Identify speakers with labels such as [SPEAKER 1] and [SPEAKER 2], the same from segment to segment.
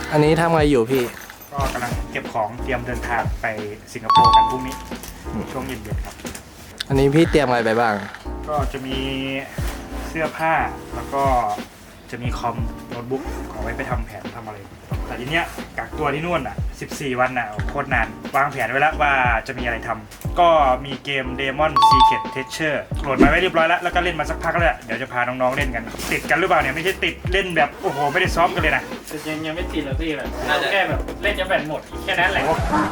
[SPEAKER 1] อันนี้ทำไงอยู่พี่
[SPEAKER 2] ก็กำลังเก็บของเตรียมเดินทางไปสิงคโปร์กันพรุ่งนี้ช่วงเย็นๆครับ
[SPEAKER 1] อันนี้พี่เตรียมอะไรไปบ้าง
[SPEAKER 2] ก็จะมีเสื้อผ้าแล้วก็จะมีคอมโน้ตบุ๊กเอาไว้ไปทำแผนทำอะไรแต่ทีเนี้ยกักตัวที่นู่นอ่ะ14 วันอ่ะโคตรนานวางแผนไว้แล้วว่าจะมีอะไรทำก็มีเกม Demon Secret Treasure โหลดมาไว้เรียบร้อยแล้วก็เล่นมาสักพักแล้วเดี๋ยวจะพาน้องๆเล่นกันติดกันหรือเปล่าเนี่ยไม่ใช่ติดเล่นแบบโอ้โหไม่ได้ซ้อมกันเลยนะ
[SPEAKER 3] ยังไม่ติดหรอกพี่แบบแค่แบบเล่นจะแบตหมดแค่นั้นแหละ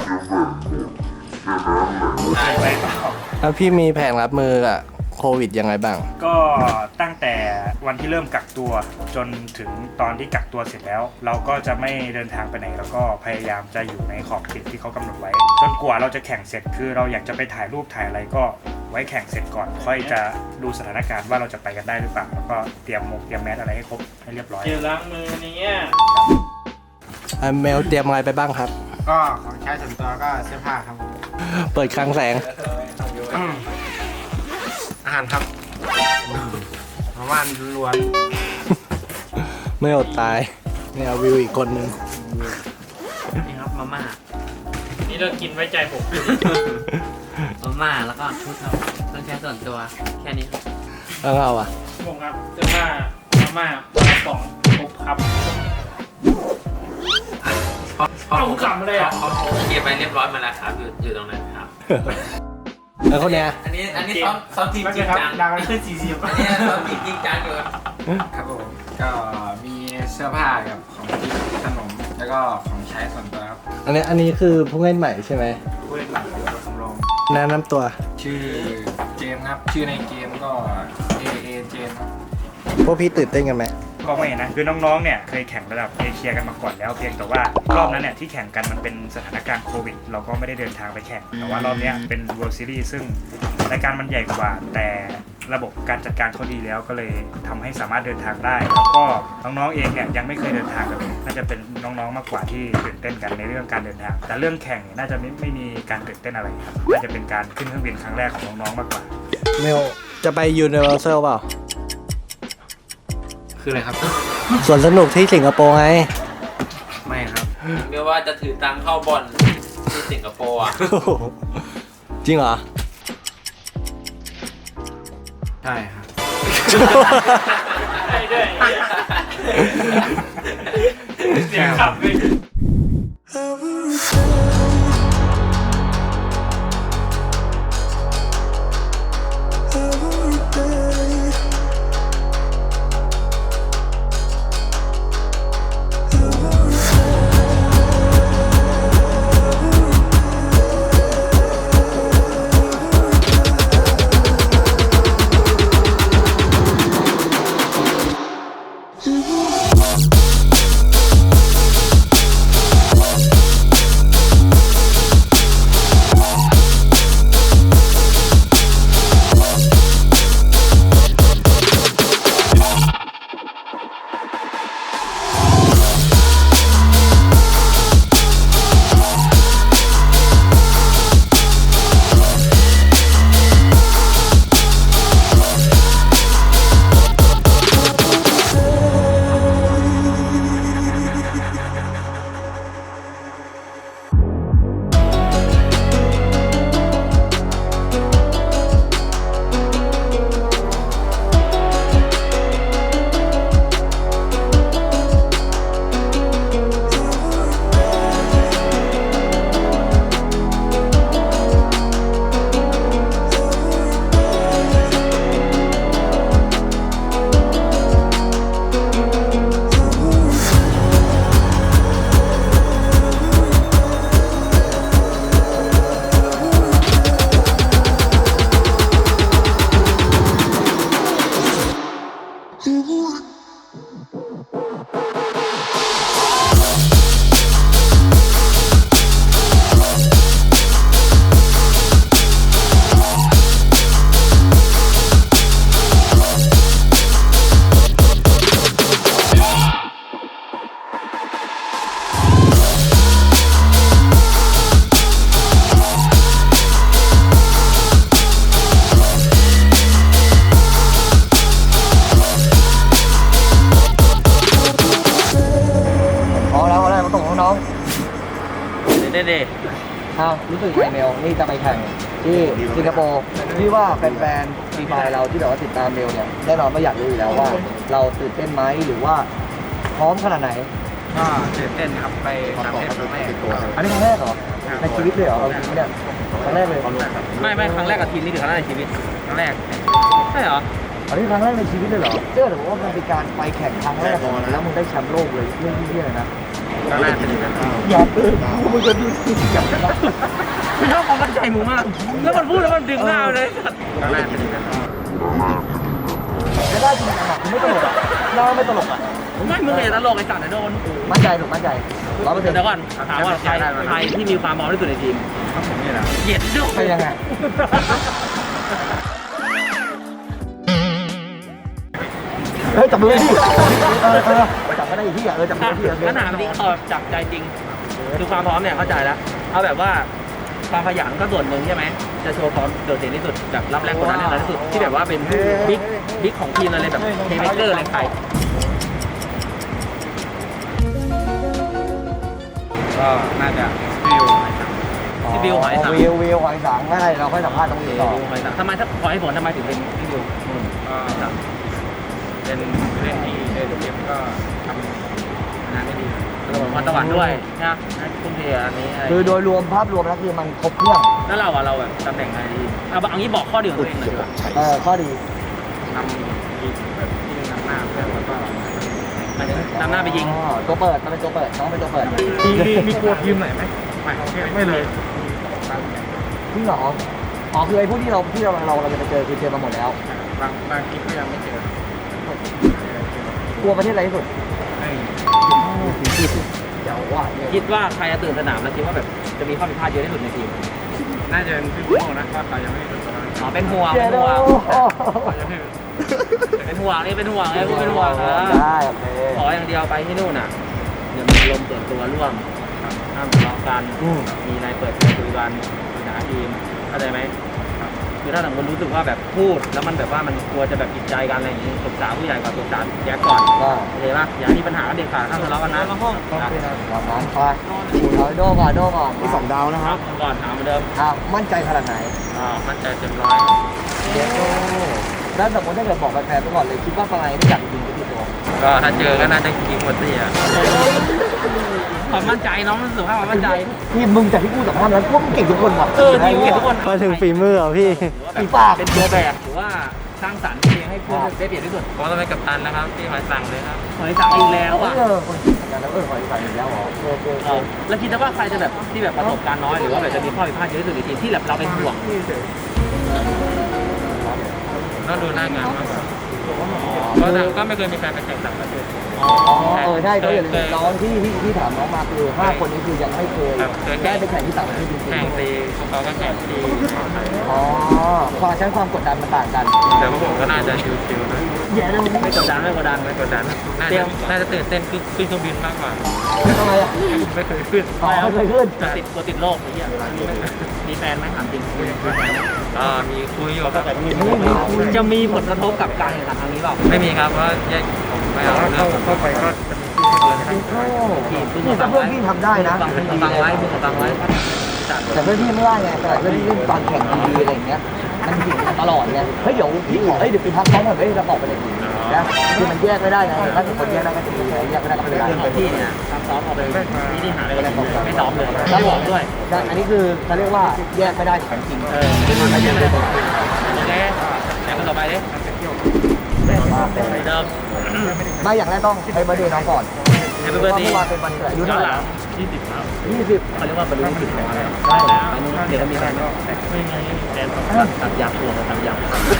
[SPEAKER 1] แล้วพี่มีแผนรับมือกับโควิดยังไงบ้าง
[SPEAKER 2] ก็ตั้งแต่วันที่เริ่มกักตัวจนถึงตอนที่กักตัวเสร็จแล้วเราก็จะไม่เดินทางไปไหนแล้วก็พยายามจะอยู่ในขอบเขตที่เขากำหนดไว้จนกว่าเราจะแข่งเสร็จคือเราอยากจะไปถ่ายรูปถ่ายอะไรก็ไว้แข่งเสร็จก่อนค่อยจะดูสถานการณ์ว่าเราจะไปกันได้หรือเปล่าแล้วก็เตรียมแมสอะไรให้ครบให้เรียบร้อย
[SPEAKER 3] เจลล้างมือนี้
[SPEAKER 1] เมลเตรียมอะไรไปบ้างครับ
[SPEAKER 4] ก็ของใช้ส่วนตัวก็เสื้อผ้าครับผม
[SPEAKER 1] เปิดคลังแสง
[SPEAKER 4] อาหารครับประมาณล้วน
[SPEAKER 1] ไม่อดตายเนี่ยวิวอีกคนนึง
[SPEAKER 3] นี่ครับมาม่านี่เรากินไว้ใจผม
[SPEAKER 5] มาม่าแล้วก็ชุดครับเครื่องใช้ส่วนตัวแค่นี้ครับ
[SPEAKER 1] แล้วเราอ่ะ
[SPEAKER 3] ผมครับเสื้อผ้ามาม่าปองครบครับเอาขำเลยอ่ะ
[SPEAKER 5] เก็บไปเรียบร้อยมาแล้วครับอยู่ตรงนั้นครับ
[SPEAKER 1] แล้วคนเนี้ย
[SPEAKER 5] อันนี้ซ้อมทีมจริงจัง
[SPEAKER 3] ดังขึ้น40
[SPEAKER 5] อันนี้ซ้อมทีมจริงจังอยู่
[SPEAKER 4] ครับผมก็มีเสื้อผ้ากับของกินขนมแล้วก็ของใช้ส่วนตัวครับ
[SPEAKER 1] อันนี้คือผู้เล่นใหม่ใช่ไหม
[SPEAKER 4] ผู้เล่นใหม่ตัวสำรอง
[SPEAKER 1] แนะนำตัว
[SPEAKER 4] ชื่อเจมครับชื่อในเกมก็เอเจม
[SPEAKER 1] พวกพี่ตื่นเต้นกันไหม
[SPEAKER 2] ก็ไม่นะคือน้องๆเนี่ยเคยแข่งระดับเอเชียกันมาก่อนแล้วเพียงแต่ว่ารอบนั้นเนี่ยที่แข่งกันมันเป็นสถานการณ์โควิดเราก็ไม่ได้เดินทางไปแข่งแต่ว่ารอบนี้เป็น World Series ซึ่งรายการมันใหญ่กว่าแต่ระบบการจัดการเขาดีแล้วก็เลยทำให้สามารถเดินทางได้แล้วก็น้องๆเองเนี่ยยังไม่เคยเดินทางกันเลยน่าจะเป็นน้องๆมากกว่าที่ตื่นเต้นกันในเรื่องการเดินทางแต่เรื่องแข่งเนี่ยน่าจะไม่มีการตื่นเต้นอะไรครับน่าจะเป็นการขึ้นเครื่องบินครั้งแรกของน้องๆมากกว่า
[SPEAKER 1] เมลจะไป Universal เปล่า
[SPEAKER 4] คืออะไรครับ
[SPEAKER 1] ส่วนสนุกที่สิงคโปร์ไง
[SPEAKER 4] ไม่ครับ
[SPEAKER 5] ไม่ว่าจะถือตังเข้าบอลที่สิงคโปร์อ่ะ
[SPEAKER 1] จริงเหรอ
[SPEAKER 4] ใช่ครับ
[SPEAKER 3] ใช่ด้วยเสียงขับเลยเด้
[SPEAKER 6] เอารู้สึกไงเมลนี่จะไปแข่งที่สิงคโปร์พี่ว่าแฟนๆฟรีไฟเราที่แบบว่าติดตามเมลเนี่ยแน่นอนว่าอยากรู้อยู่แล้วว่า เราตื่นเต้นไหมหรือว่าพร้อมขนาดไหน
[SPEAKER 4] ก็ตื่นเต้นครับไปต่างประเทศครั้งแรก
[SPEAKER 6] อันนี้ครั้งแรกเหรอในชีวิตเลยเหรอเอาจริงๆเนี่ยครั้งแรกเลย
[SPEAKER 3] ไม่ครั้งแรกกับทีมนี่คือครั้งแรกในชีวิต
[SPEAKER 4] ครั้งแรก
[SPEAKER 3] ใช่เหรอ
[SPEAKER 6] อันนี้ครั้งแรกในชีวิตเลยเหรอเชื่อแต่ว่ามันเป็นการไปแข่งครั้งแรกของมันแล้วมึงได้แชมป์โลกเลยเรื่องที่เลยนะ
[SPEAKER 4] ครั้งแรกเป็นยังไงบ้าง
[SPEAKER 6] อย่าเพิ่งมึงจะดูสิอย่าเพิ่ง
[SPEAKER 3] คือชอบความมั่นใจมึงมาก แล้วมันพูดแล้วมันดึงหน้าเลย
[SPEAKER 4] ครั้งแรกเป็นยังไงบ้าง
[SPEAKER 6] จะได้จริงจังอ่ะคุณไม่ตลกอ่ะน่าไม่ตลกอ่ะ
[SPEAKER 3] ไม่มึงเลยตลกไอ้สัตว์โดน
[SPEAKER 6] มั่นใจถูกมั่นใจ100%เ
[SPEAKER 3] เดี๋ยวก่อนถามว่าใครที่มีความพร้อมที่สุดในทีม
[SPEAKER 4] ครับผมนี่แหละ
[SPEAKER 3] เหยียดด้วย
[SPEAKER 6] ป็นยังไงเฮ้ยจับมือดิจับก็ได้อีกที่อ่ะจับมือที่
[SPEAKER 3] ปัญหาที่เขาจับใจจริง คือความพร้อมเนี่ยเข้าใจแล้ว เอาแบบว่าความขยันก็ส่วนหนึ่งใช่ไหม จะโชว์ความโดดเด่นที่สุดแบบรับแรงกดดันได้น้อยที่สุดที่แบบว่าเป็นบิ๊กของทีมอะไรแบบเทเมเกอร์อะไรใคร
[SPEAKER 4] ก็น่าจะฟิว
[SPEAKER 6] วิวหอยสังไม่ได้เราค่อยสัมภาษณ์ตรงนี้ต่อ
[SPEAKER 3] ทำไมถ้าขอให้ผลทำไมถึงเป็นพี่บิว
[SPEAKER 4] ก็เป็นเล่นที่เอเดฟก็ทำงานได้ดี
[SPEAKER 3] ระบบพรสวรรค์ด้วยนะทุ่มเทอันนี้อะไร
[SPEAKER 6] คือโดยรวมภาพรวมแล้วคือมันครบเครื่อง
[SPEAKER 3] แล้วเราแบบตำแหน่งไหนดีเอางี้บอกข้อดีของตัวเองหน่อยดีกว่า
[SPEAKER 6] ข้อดี
[SPEAKER 4] ทำอีกแบบที่นำหน้าเพื่อนแล้วก็
[SPEAKER 3] นำหน้าไปยิง
[SPEAKER 6] ตัวเปิดมันเป็นตัวเปิดน้องเป็นตัวเปิด
[SPEAKER 4] มีกลัวทีมไหนไหมไม่เลย
[SPEAKER 6] จริงเหรออ๋อคือไอ้ผู้ที่เราจะไปเจอคือเจอมาหมดแล้ว
[SPEAKER 4] บางทีก็ยังไม่เจอก
[SPEAKER 6] ลัวประเทศอะไรที่สุด
[SPEAKER 4] ไม่
[SPEAKER 6] เดี๋ยวว่า
[SPEAKER 3] คิดว่าใครจะตื่นสนามแล้วคิดว่าแบบจะมีข้อผิดพลาดเยอะที่สุดในทีม
[SPEAKER 4] น่าจะเป็นพี่โม่นะว่าเขายังไม่เป็นตัว
[SPEAKER 3] อ๋อเป็นห่วง
[SPEAKER 6] เจ
[SPEAKER 3] เป็น
[SPEAKER 6] โด
[SPEAKER 3] ห่วง
[SPEAKER 4] ยังไม่
[SPEAKER 3] เป็นห่วงนี่เป็นห่วงไอ้พวกเป็นห่วงนะ
[SPEAKER 6] ได้โอเค
[SPEAKER 3] ขออย่างเดียวไปที่นู่นน่ะเดี๋ยวมีลมส่วนตัวร่วมห้ามทะเลาะกันมีอะไรเปิดเผยคุยกันปัญหาทีมเข้าใจไหมคือถ้าสมมติรู้สึกว่าแบบพูดแล้วมันแบบว่ามันกลัวจะแบบผิดใจกันอะไรอย่างนี้ปรึกษาผู้ใหญ่ก่อนปรึกษาแยกก่อน
[SPEAKER 6] ก็
[SPEAKER 3] โอเคป่ะอย่ามีปัญหากันเด็ดขาดห้ามทะเลาะกันนะ
[SPEAKER 6] ตอนนั้นไปเอาโดก่อนมี2 ดาวนะ
[SPEAKER 3] ค
[SPEAKER 6] ค
[SPEAKER 3] รั
[SPEAKER 6] รั
[SPEAKER 3] บบก่อนถามเหมือนเดิม
[SPEAKER 6] มั่นใจขนาดไหน
[SPEAKER 3] มั่นใจเต็ม
[SPEAKER 6] เจโดแล้วสมมติถ้าเกิดบอกแฟนๆไปก่อนเลยคิดว่าปลายไม่อยากยิงกี่ตัว
[SPEAKER 3] ก็ถ้าเจอก็น่าจะยิงหมดสิอ่ะความมั่นใจน้องรู้สึกว่าความมั่นใจ
[SPEAKER 6] นี่มึงจากที่กูสัมภาษณ์แล้วพวกมึงเก่งทุกคนว่ะ
[SPEAKER 3] ทีมเก่งทุกคน
[SPEAKER 1] มาถึงฝีมือเหรอพี่
[SPEAKER 6] ฝีปาก
[SPEAKER 3] เป็นตัวแบบหรือว่าสร้างสรรค์เพลงให้เพื่อนได้เปรียบที่สุด
[SPEAKER 4] ก็ต้องเป็นกัปตันนะครับที่มาสั่งเลยครับ
[SPEAKER 3] หอยสังอีกแล้วอ่ะ
[SPEAKER 6] คนทำงานแล้วขออีกฝ่ายอีกแล้วเหรอโอ
[SPEAKER 3] แล้วคิดว่าใครจะแบบที่แบบประสบการณ์น้อยหรือว่าแบบจะมีข้อผิดพลาดเยอะที่สุดในทีมที่แบบเราเป็นห่วง
[SPEAKER 4] ต้องดูหน้างานมากกว่าก็ไม่เคยมีแฟนไปแข่งต่างประเทศ
[SPEAKER 6] ได้ก็อย่าลืมน้องที่ถามน้องมาคือ5 คนนี้คือยังไม่เคยได้ไปแข่งที่ต่างประเทศจริง
[SPEAKER 4] แข่งตีเขาก็แข่งตี
[SPEAKER 6] ๆความชั้นความกดดันมันต่างกัน
[SPEAKER 4] แต่พวกผมก็น่าจะชิวๆนะ
[SPEAKER 6] แย่เลย
[SPEAKER 3] ไม่กดดันไม่กดดัน
[SPEAKER 4] ไม่กดดันน่าจะตื่นเต้นขึ้นเครื่องบินมากกว่า
[SPEAKER 6] ทำไมอ่ะ
[SPEAKER 4] ไม่เคยขึ้น
[SPEAKER 6] ไม่เคยขึ้น
[SPEAKER 3] ติดโรคอย่างเงี้ยมีแฟนไหมถามจริง
[SPEAKER 4] มีคุยอยู่ครับ
[SPEAKER 3] จะมีผลกระทบกับการแข่งขันครั้งนี้เปล่า
[SPEAKER 4] ไม่มีครับเพราะผมไม่เอาเรื่องเข้าไปก็จะมีที่เพื่อนนะครับ
[SPEAKER 6] นี่แต่เพื่อนพี่ทำได้นะ
[SPEAKER 3] ฟังไว้ฟังไว้
[SPEAKER 6] แต่เพื่อนพี่ไม่ได้ไงแต่เพื่อนพี่เล่นตอนแข่งดีๆอะไรอย่างเงี้ยมันถึงตลอดไงเฮ้ยเดี๋ยวพี่ขอเดี๋ยวไปพักซ้อมก่อนเฮ้ยเราออกไปเลยนะคือมันแยกไม่ได้ไงถ้าคนแยกได้ก็คือแยกไม่ได้ก็ไม่เป็นไร
[SPEAKER 3] ของพี่เนี่ยซ้อมเอาไปที่หาอะไรกันไม่ซ้อมเลยไม่บอกด้วย
[SPEAKER 6] อันนี้คือเขาเรียกว่าแยกไม่ได้ของจริง
[SPEAKER 3] ขึ้นมาเยอะเลยโอเคแต่คนต่อไปดิเดิม
[SPEAKER 6] ไม่อย่างแรกต้องให้เบอร์เดย์น้องก่อน
[SPEAKER 3] เฮปปี้เบิร์ด
[SPEAKER 6] เมื่อวานเป็นวันเกิดอายุเท่าไหร่
[SPEAKER 3] 20ครับ
[SPEAKER 6] 20
[SPEAKER 3] เขาเรียกว่าบรรลุ20แล้วได้แล้วเดี๋ยวมีแฟนไม่มีแฟนตัดยาตัวตัดยา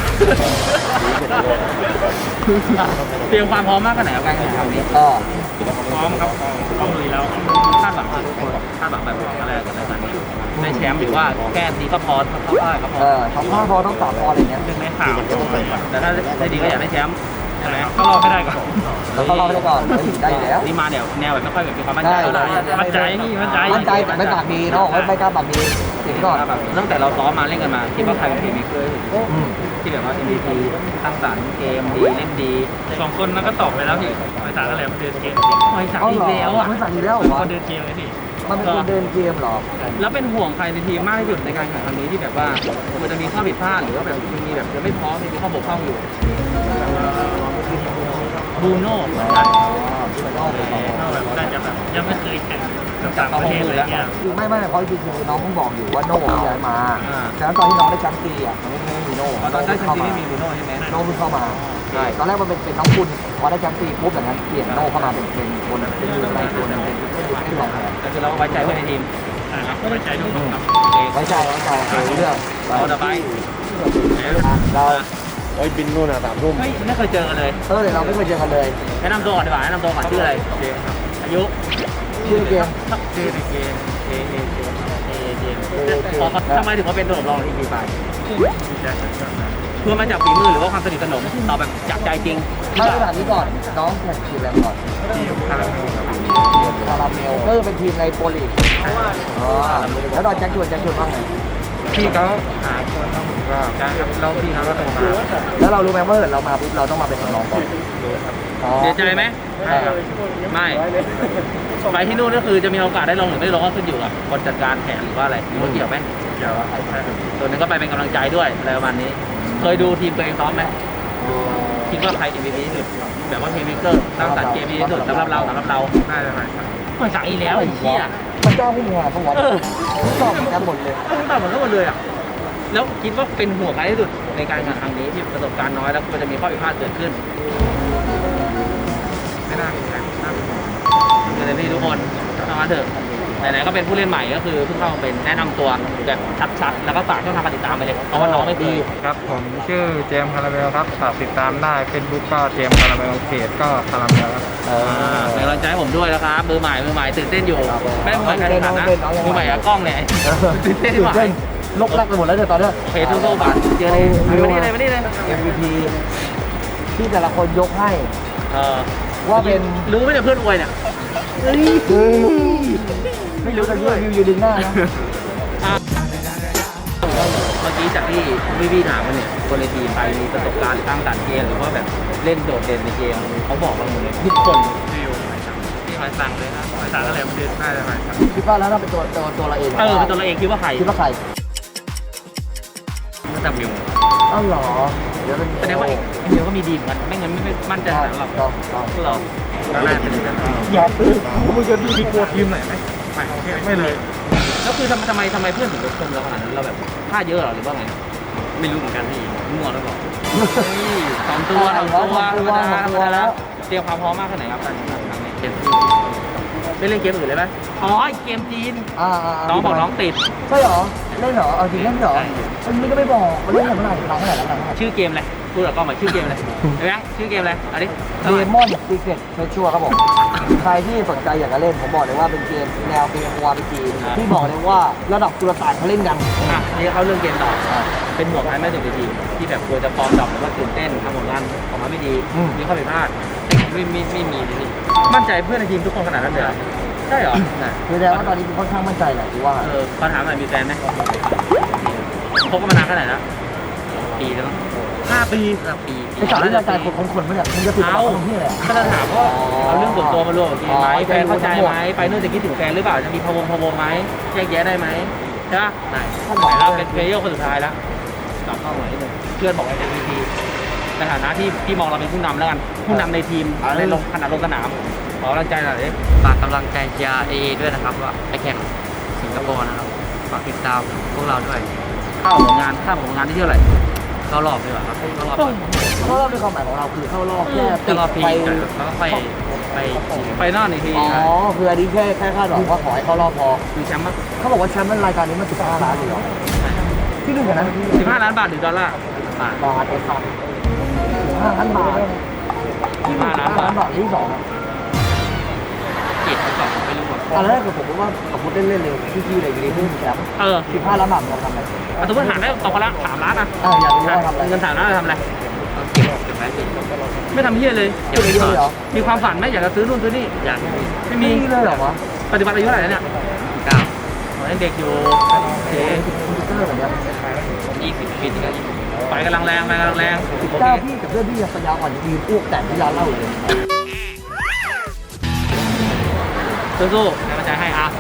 [SPEAKER 3] เตรียมความพร้อมมากขนาดไหนกับการแข่งขันนี้ พร้อมครับต้องลุยแล้วคาดหวังแบบอะไรกับรายการนี้ได้แชมป์หรือว่าแก้ดีก็พอเข้าได้ก็พอ
[SPEAKER 6] ทำข้อพอต้อง3 พออะไรเงี้ย
[SPEAKER 3] หนึ่งในข่าวแต่ถ้าได้ดีก็อยากได้แชมป์ใช่ไหมก็รอให้ได้ก่อน
[SPEAKER 6] แล้วก็รอไปก่อนได้อยู่แล้ว
[SPEAKER 3] นี่มาแนวแบบไม่ค่อยแบบมีความมั่นใจมั่นใจ
[SPEAKER 6] แต่ไม่ปากดีเนาะไม่กล้าปากดีสิ่งก่อน
[SPEAKER 3] แบบตั้งแต่เราซ้อมมาเล่นกันมาคิดว่าใครเป็นทีมเมเกอร์ที่แบบว่า MVP สร้างสรรค์เกมดีเล่นดี2 คนนั้นก็ตอบไปแล้วพี่ไปสารอะไรมาเดินเกมไปสารอีกแล้วอ่ะ
[SPEAKER 6] ไม่สั่งอีกแล้ว
[SPEAKER 3] ก็เดินเกมเลยพี่
[SPEAKER 6] มันเป็นคนเดินเกมเหรอ
[SPEAKER 3] แล้วเป็นห่วงใครในทีมมากที่สุดในการแข่งครั้งนี้ที่แบบว่ามันจะมีข้อผิดพลาดหรือว่าแบบมีแบบยังไม่พร้อมมีข้อบกพร่องอยู่บูโน่เหมือนกันน่าจะแบบยังไม่เคยแข่งกับต่างประเทศอะไรเงี้ย
[SPEAKER 6] คือไม่เพราะจริงๆน้องเพิ่งบอกอยู่ว่าโน่ย้ายมาฉะนั้นตอนที่น้องได้แชมป์ปีอ่ะมันไม่มีโน่
[SPEAKER 3] ตอนได้แชมป์ไม่มีบูโน่ใช่ไหม
[SPEAKER 6] โน่เพิ่งเข้ามาใช่ตอนแรกมันเป็นน้องคุณพอได้แชมป์ปีปุ๊บอย่างนั้นเปลี่ยนโน่เข้ามาเป็นคนเป็นมืออะไรตัวนึงเป็นรองแทน
[SPEAKER 3] แต่คือเราไว้ใจเพื่อนในทีมไว้ใจทุกคนครับ
[SPEAKER 6] ไว้ใจเรื่อง
[SPEAKER 3] เราจะไป
[SPEAKER 6] เรา
[SPEAKER 1] โอ้ยบินนู่นอ่ะ3 ทุ่ม
[SPEAKER 3] เฮ้ยไม่เคยเจอกันเลย
[SPEAKER 6] เดี๋ยวเราไม่เคยเจอกันเลย
[SPEAKER 3] แนะนำตัวก่อนดีกว่าแนะนำตัวก่อนชื่ออะไรอายุ
[SPEAKER 6] ชื่อเกม
[SPEAKER 3] ชื่อในเกมเกมทำไมถึงมาเป็นตัวรองทีมไปเพื่อมาจากฝีมือหรือว่าความสนิทสนมเราแบบจากใจจริง
[SPEAKER 6] มาตรฐานนี้ก่อนน้องแข่งทีมอะไรก่อนทีมคาราเมลก็เป็นทีมในโปรลีกแล้วตอนแจ็คชวนบ้างไง
[SPEAKER 4] พี่เขาหาคนต้องก็ได้ครับแล้วพี่เขาก็โทรมา
[SPEAKER 6] แล้วเรารู้ไหมว่าเรามาปุ๊บเราต้องมาเป็นน้องก่อน
[SPEAKER 3] เสียใจไหม
[SPEAKER 6] ใช่ครับ
[SPEAKER 3] ไม่ไปที่นู่นก็คือจะมีโอกาสได้ลงหรือไม่ลงก็ขึ้นอยู่กับคนจัดการแผนหรือว่าอะไรหรือว่าเกี่ยวไหม
[SPEAKER 4] เดี๋ยวใช่ครับ
[SPEAKER 3] ส่วนหนึงก็ไปเป็นกำลังใจด้วยอะไรประมาณนี้ เคยดูทีมตัวเองซ้อมไหมคิดว่าใคร MVP ที่สุดแบบว่าเพลย์เมคเกอร์สร้างสรรค์เกมดีที่สุดสำหรับเรา
[SPEAKER 4] น่าจะหมายครับ
[SPEAKER 3] มันสั่งอีกแล้วไอ้เหี้ย
[SPEAKER 6] มันเจ้าผู้มีงานเขาวัดตอบกันหมดเลย
[SPEAKER 3] ตอบเหมือนกันหมดเลยอ่ะแล้วคิดว่าเป็นห่วงใครที่สุดในการแข่งครั้งนี้ที่ประสบการณ์น้อยแล้วก็จะมีข้อผิดพลาดเกิดขึ้น
[SPEAKER 4] ไม่น่ามีใครน่าเป็นห่วง
[SPEAKER 3] เดี๋ยวพี่ทุกคนทำมาเถอะไหนๆก็เป็นผู้เล่นใหม่ก็คือเพิ่งเข้ามาเป็นแนะนำตัวแบบชัดๆแล้วก็ฝากช่องทางการติดตามไปเลยเพราะว่าน้องไม่ดี
[SPEAKER 4] ครับผมชื่อเจมส์คาราเมลครับฝากติดตามได้เฟซบุ๊กก็เจมส์คาราเมลเพจก็คาราเมลครับ
[SPEAKER 3] เป็นกำลังใจให้ผมด้วยนะครับมือใหม่ตื่นเต้นอยู่ไม่ได้มือใหม่การแข่งขันนะมือใหม่กับกล้องเนี่ยตื่นเต้นที่หมาย
[SPEAKER 6] ลกแรกไปหมดแล้วเนี่ยตอนนี้
[SPEAKER 3] โอเคสู้ๆบัตรเจอเลยมานี่เลย
[SPEAKER 6] MVP ที่แต่ละคนยกให้
[SPEAKER 3] เออ
[SPEAKER 6] ว่าเป็น
[SPEAKER 3] รู้ไหมเนี่ยเพื่อนอวยเนี่ย
[SPEAKER 6] ไม่รู้แต่วิวอยู่ดึงหน้านะ
[SPEAKER 3] เมื่อกี้จากที่พี่ถามมาเนี่ยคนในทีมไปมีประสบการณ์ตั้งแต่เกมหรือว่าแบบเล่นโดดเด่นในเกมเขาบอกเราหมดเลยทุกคน
[SPEAKER 4] พี่หมายสั่งเลยครับหมายสั่งอะไรมันน่าจะหมายสั่ง
[SPEAKER 6] คิดว่าแล้วเราเป็นตัวเราเอง
[SPEAKER 3] เป็นตัวเราเองคิดว่าใคร
[SPEAKER 6] คิดว่าใคร
[SPEAKER 3] แต่มิว
[SPEAKER 6] อ้าวเหรอเดี๋ยวเป็น
[SPEAKER 3] แสดงว่าเดียวก็มีดีเหมือนกันไม่งั้นไม่มั่นใจขนาดนั้นหรอกเรา
[SPEAKER 4] ตอนแรกเป็นอย่างนั้น
[SPEAKER 6] อย่าตื่น
[SPEAKER 4] มึงจะมีกลัวทีมไหนไหมไม่เลย
[SPEAKER 3] แล้วคือทำไมเพื่อนถึงชมเราขนาดนั้นเราแบบค่าเยอะหรอหรือว่าไงไม่รู้เหมือนกันพี่มั่วแล้วบอกสองตัวธรรมดาแล้วเตรียมความพร้อมมากแค่ไหนครับการแข่งขันครั้งนี้เกมไม่เล่นเกมอื่นเลยไหมอ๋อเกมจีนน้องบอกน้องติด
[SPEAKER 6] ใช่เหรอเล่นเหรอเอาจริงเล่นเหรอมันไม่ก็ไม่บอกเล่นเท่าไหร่น้องเท่าไหร่แล้วกัน
[SPEAKER 3] ชื่อเกมอะไรพูดกับกล้องหน่อยชื่อเกมอะไรเห็นไหมชื่อเกมอะไรอันนี้
[SPEAKER 6] เดมอนซีเกตเฟชัวครับผมใครที่สนใจอยากจะเล่นผมบอกเลยว่าเป็นเกมแนวเกมวาร์ปจีนที่บอกเลยว่าระดับจุลต่างเขาเล่นกัน
[SPEAKER 3] นี่เข้าเรื่องเกมต่อเป็นห่วงใครไม่ถึงทีมที่แบบกลัวจะฟอร์มดรอปหรือว่าตื่นเต้นทำผลงานออกมาไม่ดีมีข้อผิดพลาดไม่มีเลยนี่มั่นใจเพื่อนในทีมทุกคนขนาดนั้นเลยใช่เหรอ
[SPEAKER 6] คือแสดงว่าตอนนี้ค่อนข้างมั่นใจแหละที่ว่า
[SPEAKER 3] ขอถามหน่อยมีแฟนไหมคบกันมานานแค่ไหนแล้วปีแล้ว5 ปี
[SPEAKER 6] ไอ้สาวที่รายการคนๆมั้ยเนี่ยมึงจะติดต่อคนที่ไหน
[SPEAKER 3] ก็จะถามว่าเอาเรื่องส่วนตัวมารวมกับเกมไหมแฟนเข้าใจไหมไปนู่นจะคิดถึงแฟนหรือเปล่าจะมีพะวงไหมแยกแยะได้ไหมใช่ปะได้แล้วเป็นเพลเยอร์คนสุดท้ายแล้วกลับเข้าหน่อยนิดนึงเพื่อนบอกว่า MVP ในฐานะที่พี่มองเราเป็นผู้นำแล้วกันผู้นำในทีมในลงขนาดลงสนามขอกำลังใจหน่อยดิ
[SPEAKER 5] ฝากกำลังใจเชียร์เอด้วยนะครับว่าไปแข่งสิงคโปร์นะครับฝากติดตามพวกเราด้วย
[SPEAKER 3] เข้าผลงานที่เท่าไหร่
[SPEAKER 5] เข้ารอบดีกว่าครับเข้ารอบก่อน
[SPEAKER 6] เข้ารอบในความหมายของเราคือเข้ารอบแค่
[SPEAKER 5] เข้ารอบพี
[SPEAKER 6] ไป
[SPEAKER 5] ก่อนแล้วก็ค่อยไปชิง
[SPEAKER 3] ไฟนอลอีกที
[SPEAKER 6] อ๋อคืออันนี้แค่คาดหวังว่าขอให้เข้ารอบพอ
[SPEAKER 3] มีแชมป์มั้ย
[SPEAKER 6] เขาบอกว่าแชมป์รายการนี้มัน15 ล้านเลยเหรอที่หนึ่งกันนั้น
[SPEAKER 3] 15 ล้านบาทหรือดอลลาร์บาท
[SPEAKER 6] บาทไอ้สัตว์15 ล้านบาท
[SPEAKER 3] 15 ล้านบาท
[SPEAKER 6] บาทที่สอง
[SPEAKER 3] เกียรติก่อนไม่รู้อ่ะ
[SPEAKER 6] อันแรกคือผมว่าสมมติเล่นๆเลยพี่ๆเลยอยู่ดีๆแชมป์15 ล้านบาทเราทำอะไร
[SPEAKER 3] สมมติหารได้ตกคนละ3 ล้านอ่ะ
[SPEAKER 6] อยากรู้ว่าทำอะไร
[SPEAKER 3] เงิน3 ล้านทำอะไร
[SPEAKER 5] เก็บไว้สิ
[SPEAKER 3] ไม่ทำเหี้ยเลย
[SPEAKER 6] เก็บไว้เลยเหรอ
[SPEAKER 3] มีความฝันไหมอยากจะซื้อนู่นซื้อนี่
[SPEAKER 5] อย่าง
[SPEAKER 3] ไม่มี
[SPEAKER 6] เลยเหรอวะ
[SPEAKER 3] ปัจจุบันอายุเท่าไหร่แล้วเนี่ย
[SPEAKER 5] 9
[SPEAKER 3] ยังเด็กอยู่โอเค
[SPEAKER 6] คอมพิวเตอร์แบบนี้
[SPEAKER 5] 20 ปีที่แล้ว
[SPEAKER 3] ไฟกำลังแรงโอเค
[SPEAKER 6] เจ้าพี่กับเพื่อนพี่ยังปัญญาอ่อนยืนอ้วกแต่ที่ร้านเหล้าอยู่เลย
[SPEAKER 3] สู้ๆกำลังใจให้อ่ะ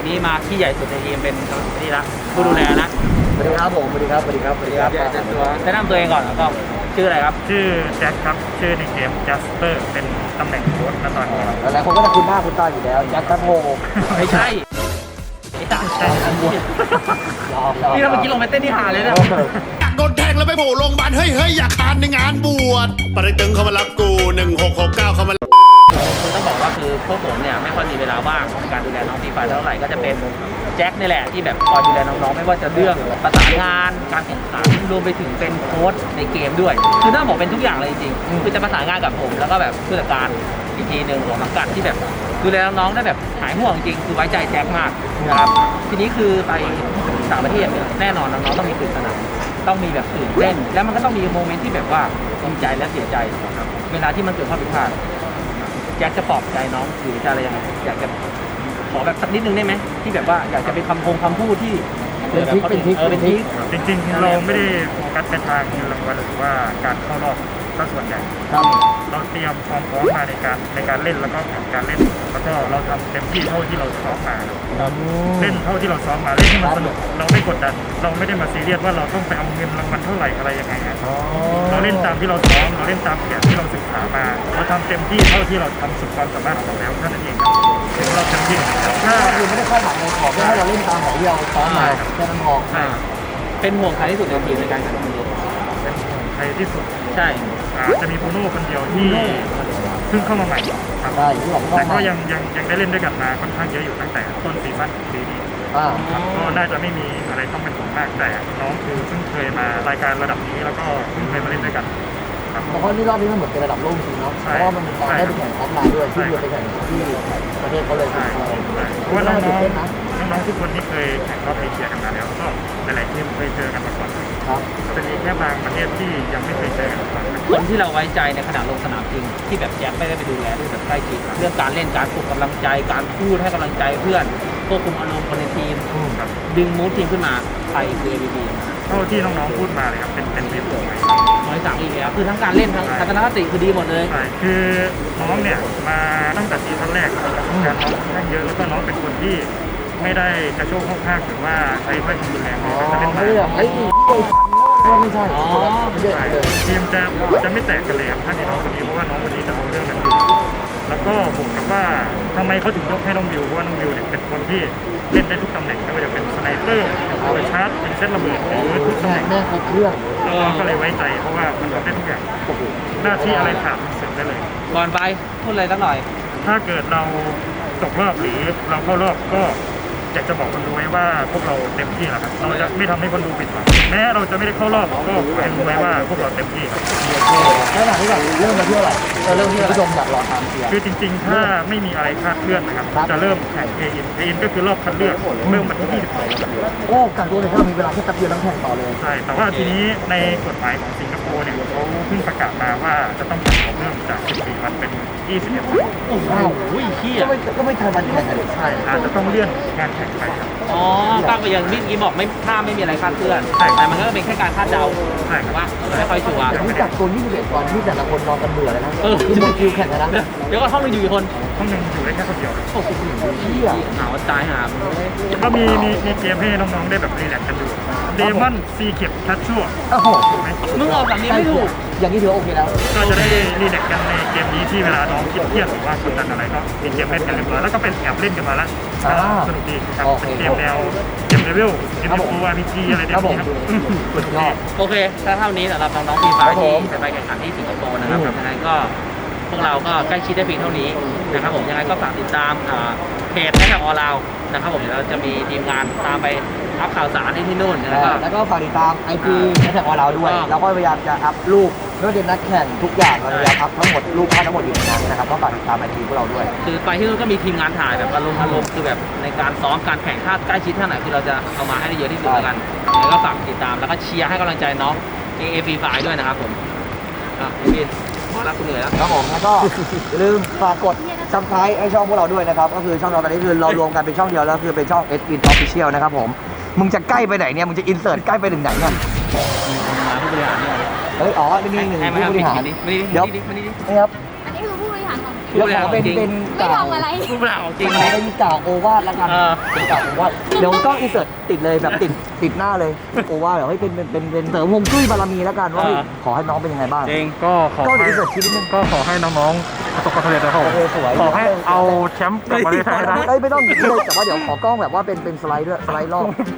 [SPEAKER 3] นี้มาที่ใหญ่สุดในทีมเป็นนี่ละผู้ดูแลนะ
[SPEAKER 6] สวัสดีครับผมสวัสดีครับสวัสดีครับสวัสดีครับ
[SPEAKER 3] แนะนำตัวเองก่อนแล้วก็ชื่ออะไรครับ
[SPEAKER 2] ชื่อแจ็คครับชื่อในเกมจัสเปอร์เป็นตำแหน่งโค้ชณตอนนี้
[SPEAKER 6] หลายๆคนก็จะคุ้นหน้าคุ้นตาอยู่แล้วแจ็คแคทโฮ
[SPEAKER 3] ไม่ใช่ไอ้ตาใช่อันบวนี่เราเมื่อกี้ลงไปเต้นที่หาเลยนะ
[SPEAKER 7] อยากโดนแทงแล้วไปโผล่โรงพยาบาลเฮ้ยอยากคานในงานบวชปริตึงเขามารับกู1669เขามา
[SPEAKER 3] คือต้องบอกว่าคือพวกผมเนี่ยไม่ค่อยมีเวลาว่างในการดูแลน้องฟรีไฟเท่าไหร่ก็จะเป็นแจ็คนี่แหละที่แบบคอยดูแลน้องๆไม่ว่าจะเรื่องประสานงานการแข่งขันรวมไปถึงเป็นโค้ชในเกมด้วยคือต้องบอกเป็นทุกอย่างเลยจริงๆคือจะประสานงานกับผมแล้วก็แบบผู้จัดการอีกทีหนึ่งของสังกัดที่แบบดูแลน้องๆได้แบบหายห่วงจริงคือไว้ใจแจ็คมากนะครับทีนี้คือไปต่างประเทศเนี่ยแน่นอนน้องๆต้องมีตื่นสนามต้องมีแบบตื่นเต้นแล้วมันก็ต้องมีโมเมนต์ที่แบบว่าดีใจและเสียใจนะครับเวลาที่มันเกิดข้อผิดพลาดแจ็คจะปลอบใจน้องหรือจะอะไรยังไงอยากจะขอแบบสักนิดนึงได้ไหมที่แบบว่าอยากจะเป็นคำพูดที่เป็นทริคเป็นทริค
[SPEAKER 2] จริงๆเราไม่ได้โฟกัสไปทางเงินรางวัลหรือว่าการเข้ารอบซะส่วนใหญ่
[SPEAKER 6] ครับ
[SPEAKER 2] เราเตรียมความพร้อมมาในการเล่นแล้วก็แผนการเล่น แล้วก็เราทำเต็มที่เท่าที่เราซ้อมมาเล่นเท่าที่เราซ้อมมาเล่นให้มันสนุกเราไม่กดดันเราไม่ได้มาซีเรียสว่าเราต้องไปเอาเงินรางวัลเท่าไหร่อะไรยังไงอะเราเล่นตามที่เราซ้อมเราเล่นตามแผนที่เราศึกษามาเราทำเต็มที่เท่าที่เราทำสุดความสามารถของเราแล้วเท่านั้นเองครับถึงเราเต็มที่ถ้า
[SPEAKER 6] คือไม่ได้คาดหวังเลยขอแค่ให้เราเล่นตามของที่เราซ้อมมาแค่นั้นพอ
[SPEAKER 3] เป็นห่วงใครที่สุดในทีมในการแข่งขันนี้
[SPEAKER 2] เป็นใครที่สุด
[SPEAKER 3] ใช่
[SPEAKER 2] จะมีโบโน่คนเดียวที่เพิ่งเข้ามาใหม่ครับ
[SPEAKER 6] ได้อยู่ที่หลังเข้า
[SPEAKER 2] แต่ก็
[SPEAKER 6] มา
[SPEAKER 2] ยังได้เล่นด้วยกันมาค่อนข้างเยอะอยู่ตั้งแต่ต้นซีซั่นปีนี้ ครับก็น่าจะไม่มีอะไรต้องเป็นห่วงมากแต่น้องคือเพิ่งเคยมารายการระดับนี้แล้วก็เพิ่งเคยมาเล่นด้วยกันครับ
[SPEAKER 6] เพราะว่านี่รอบนี้มันเหมือนเป็นระดับโลกจริงเนาะเพราะว่ามันมีการได้ไปแข่งออฟไลน์ด้วยที่เดียวไปแข่งที่ประเทศเขาเลย
[SPEAKER 2] ใช่เพราะว่าน้องๆทุกคนที่เคยแข่งรอบเอเชียกันมาแล้วก็หลายๆทีมเคยเจอกันมาก่อน
[SPEAKER 6] ครับ
[SPEAKER 2] จะมีแค่บางประเทศที่ยังไม่เคยเจอกันมาก่อน
[SPEAKER 3] คนที่เราไว้ใจในขณะลงสนามจริงที่แบบแจ็คไม่ได้ไปดูแลด้วยแบบใกล้ชิดเรื่องการเล่นการปลุกกำลังใจการพูดให้กำลังใจเพื่อนควบคุมอารมณ์คนในทีม
[SPEAKER 2] ครับ
[SPEAKER 3] ดึงมูดทีมขึ้นมาใครคือ ABB
[SPEAKER 2] เท่าที่น้องๆพูดมาเลยครับเป็นเว็บสวย
[SPEAKER 3] น้อยสั่งอีกแล้วคือทั้งการเล่นทั้งทัศนคติคือดีหมดเลย
[SPEAKER 2] ใช่คือน้องเนี่ยมาตั้งแต่ซีซั่นแรกประสบการณ์น้องค่อนข้างเยอะแล้วก็น้องเป็นคนที่ไม่ได้กระโชกข้างหรือว่าใช้ถ้อยคำรุนแรงในการเล่น
[SPEAKER 6] ไม่
[SPEAKER 2] มา
[SPEAKER 6] ได้ไอ้ไม่ใช่ไม่ใช่เลย
[SPEAKER 2] ทีมจะไม่แตกกันเลยครับถ้ามีน้องคนนี้เพราะว่าน้องคนนี้จะเอาเรื่องนั้นอยู่แล้วก็ผมกับว่าทำไมเขาถึงยกให้น้องวิวเพราะว่าน้องวิวเนี่ยเป็นคนที่เล่นได้ทุกตำแหน่งไม่ว่าจะเป็นสไนเปอร์เป็นชาร์จเป็นเซตระเบิดหรือทุกตำแหน่ง
[SPEAKER 6] แม่ครบเครื่อง
[SPEAKER 2] น้องก็เลยไว้ใจเพราะว่ามันทำได้ทุกอย่างหน้าที่อะไรขาดเสร็จได้เลย
[SPEAKER 3] ก่อนไปพูดอะไรสักหน่อย
[SPEAKER 2] ถ้าเกิดเราตกรอบหรือเราเข้ารอบก็อยากจะบอกคนดูไว้ว่าพวกเราเต็มที่แล้วครับเราจะไม่ทำให้คนดูผิดหวังแม้เราจะไม่ได้เข้ารอบก็ให้รู้ไว้ว่าพวกเราเต็มที่ครับ
[SPEAKER 6] แล้วหลังที่แบบเริ่มมาเที่ยวไหร่เริ่มที่ผู้ชมอยากรอตามเชียร์
[SPEAKER 2] คือจริงๆ ถ้าไม่มีอะไรคลาดเคลื่อนนะครับจะเริ่มแข่งเออินก็คือรอบคัดเลือกเริ่มวันที่22
[SPEAKER 6] โอ้กักตัวเลยถ้ามีเวลาแค่แป๊บเดียวแล้วแข่งต่อเลย
[SPEAKER 2] ใช่แต่ว่าทีนี้ในกฎหมายของสิงคโปร์เนี่ยเขาเพิ่งประกาศมาว่าจะต้องแข่งเพิ่มจาก14วันเป็น21วัน
[SPEAKER 3] โอ้โหเฮีย
[SPEAKER 6] ก็ไม่ทันวันแข่งกัน
[SPEAKER 2] ใช่อาจจะต้องเลื่อนงานแข่งไปครับ
[SPEAKER 3] อ๋อตั้งไปอย่างเมื่อกี้บอกไม่ถ้าไม่มีอะไรคาดเคลื่อน
[SPEAKER 2] ใช่
[SPEAKER 3] แต่มันก็เป็นแค่การคาดเดา
[SPEAKER 2] ใช่ครับ
[SPEAKER 3] ว่าไม่ค่อยชัวร์
[SPEAKER 6] นี่กักตัว21วันที่แต่ละคนนอนกันเบื่อเลยนะ
[SPEAKER 3] เออ
[SPEAKER 6] คือหมดคิวแข่งกันนะ
[SPEAKER 3] เดี๋ยวก็ห้องนึงอยู่กี่คน
[SPEAKER 2] ห้องหนึ่งอยู่ได้แค่คนเดียว
[SPEAKER 3] โอ้โห
[SPEAKER 6] เชี่ย
[SPEAKER 3] หนาวตายหา
[SPEAKER 2] ก็มีเกมให้น้องๆได้แบบรีแลกซ์กันดูเดมอนซีเก็บคัชชั่ว
[SPEAKER 6] โอ้โห
[SPEAKER 2] ถูกไหม
[SPEAKER 3] มึงออกสำเนียงไม่ถูก
[SPEAKER 6] อย่างนี้ถือว่าโอเคแล้ว
[SPEAKER 2] ก็จะได้รีแลกซ์กันในเกมนี้ที่เวลาน้องคิดเครียดหรือว่ากดดันอะไรก็มีเกมเล่นกันเรียบร้อยแล้วก็เป็นแอบเล่นกันมาแล้วสนุกดีครับเป็นเกมแนวเกมเลเวลเกมยูอาร์พีจีอะไรแบบนี้ครับสนุกดี
[SPEAKER 3] โอเคถ้าเท่านี้สำหรับน้องๆทีมฝ่ายที่จะไปแข่งขันที่สิงคโปร์นะครับยังไงก็พวกเราก็ใกล้ชิดได้เพียงเท่านี้นะครับผมยังไงก็ฝากติดตามเพจแท็กออนไลน์นะครับผมเดี๋ยวเราจะมีทีมงานตามไปอัพข่าวสารที่นู่นแล้วก็
[SPEAKER 6] แล้วก็ฝากติดตาม IG แฮชแท็กของเราด้วย เราก็พยายามจะอัพรูปไม่ว่าจะเป็นนักแข่งทุกอย่างเราพยายามอัพทั้งหมดรูปภาพทั้งหมดอยู่ในนั้นนะครับก็ฝากติดตาม IG พวกเราด้วย
[SPEAKER 3] คือไปที่นู่นก็มีทีมงานถ่ายแบบอารมณ์คือแบบในการซ้อมการแข่งท่าใกล้ชิดท่าไหนคือเราจะเอามาให้ได้เยอะที่สุดแล้วกันแล้วก็ฝากติดตามแล้วก็เชียร์ให้กำลังใจน้องเอฟไฟด้วยนะครับผมพี่ขอรับคุณเหนื่อยแล้ว
[SPEAKER 6] ครับผมแล้วก็อย่าลืมฝากกดซับสไครต์ให้ช่องพวกเราด้วยนะครับก็คือช่องเราตอนนี้คือเรารวมกันเป็นช่องเดียวแล้วคือเป็นช่อง SIN Official นะครับผมมึงจะใกล้ไปไหนเนี่ยมึงจะอินเสิร์ตใกล้ไปถึงไหนเนี่ย
[SPEAKER 3] มาผู้บริหารเนี่ย
[SPEAKER 6] เฮ้ยอ๋อนี่หนึ่ง
[SPEAKER 3] ให้มา
[SPEAKER 6] ผู้บริหาร
[SPEAKER 3] ไม่ได้
[SPEAKER 6] เดี๋ยว
[SPEAKER 3] ไม่ได้
[SPEAKER 6] นี่ครับ
[SPEAKER 8] อันนี้คือผู้บริหารของ
[SPEAKER 6] เดี๋ยวขอเป็นเป็น
[SPEAKER 8] ไม่ทำอะไร
[SPEAKER 3] ผู้บริหารของจริง
[SPEAKER 6] ขอเป็นกล่าวโอวาทแล้วกัน เป็นกล่าวโอวาทเดี๋ยวก็อินเสิร์ตติดเลยแบบติดหน้าเลยโอวาทเดี๋ยวให้เป็นเสริมฮวงจุ้ยบารมีแล้วกันว่าเฮ้ยขอให้น้องเป็นยังไงบ้าง
[SPEAKER 3] จริงก็ขอ
[SPEAKER 6] ก็
[SPEAKER 3] ให้
[SPEAKER 6] อินเสิร์ตชีวิตนึง
[SPEAKER 3] ก็ขอให้น้องๆประสบความสำเร็จนะครับผม
[SPEAKER 6] โอเคสวย
[SPEAKER 3] ขอให้เอาแชมป์กลับมาเลยให้ได้
[SPEAKER 6] เอ้ยไม่ต้องเลยแต่ว่าเดี๋ยวขอกล้องแบบว่าเป็นสไลด์ด้วยสไลด์รอบ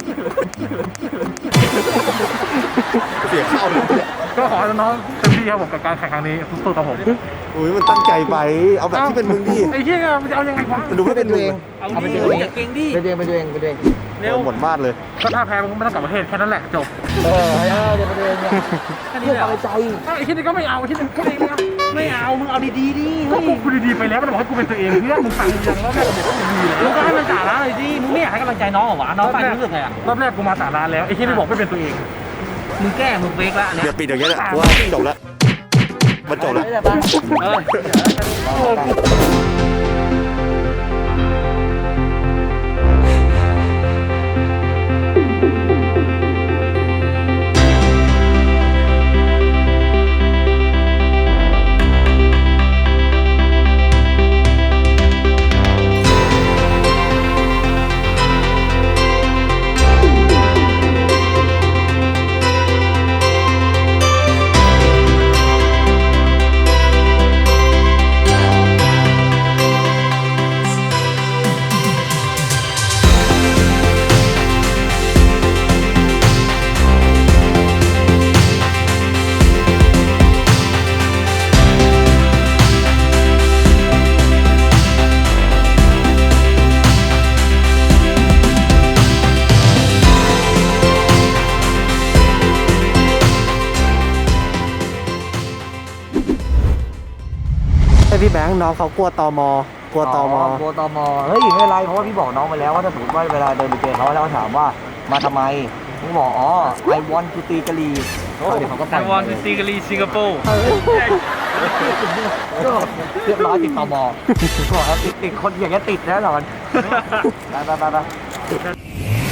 [SPEAKER 7] เสียข้าวเลยเนี่ย
[SPEAKER 3] ก็ขอให้น้องๆเต็มที่ครับผมกับการแข่งครั้งนี้สู้ๆครับผม
[SPEAKER 7] อุ้ยมันตั้งใจไปเอาแบบที่เป็นมึงดิ
[SPEAKER 3] ไอ้เหี้ยมันจะเอายังไงวะ
[SPEAKER 7] มันดูไม่เป็นมึง
[SPEAKER 6] เอาเป็นตัวเอง
[SPEAKER 3] เก่งดิ
[SPEAKER 6] เป็นตัวเองเป็นตัวเองเป็นตัวเอง
[SPEAKER 3] เร็ว
[SPEAKER 7] หมดบ้านเลย
[SPEAKER 3] ก็ถ้าแพ้มึงก็ไม่ต้องกลับประเทศแค่นั้นแหละจบ
[SPEAKER 6] เดี๋ยวเป็นตัวเองเนี่ยเพื่อความใจ
[SPEAKER 3] ไอ้ที่นี่ก็ไม่เอาไอ้ที่นี่ก็ไม่เอามึงเอาดีๆดิก็กูพูดดีๆไปแล้วมันบอกให้กูเป็นตัวเองเพื่อนมึงฟังยังแล้วแม่ก็บอกว่ามึงดีแล้วมึงก็ให้มันสาระเลยดิมึงไม่อยากให้กำลังใจน้องเหรอวะน้องฟังรู้สึกไงอ่ะรอบแรกกูมาสาระแล้วไอ้ที่นี่บอกไม่เป็นตัวเองมึงแก้มึงเฟกแล้วเนี่ย
[SPEAKER 7] เดี๋ยวปิดอย่างเงี้ยแหละว่าจบแล้วมันจบแล้ว
[SPEAKER 6] ไม่ได้บ้าง
[SPEAKER 1] พี่แบงค์น้องเขากลัวตมกลัวตม
[SPEAKER 6] กลัวตมเฮ้ยไม่เป็นไรเพราะว่าพี่บอกน้องไปแล้วว่าถ้าสมมติว่าเวลาเดินไปเจอเขาแล้วเขาถามว่ามาทำไมผมบอกอ๋อ I want to ตีกะลีเดี๋ยวเขาก็ไป
[SPEAKER 3] วอนซีกาลีสิงคโปร์
[SPEAKER 6] ก็เรียบร้อยติดตมบอกครับติดคนอย่างเงี้ยติดแน่นอนไป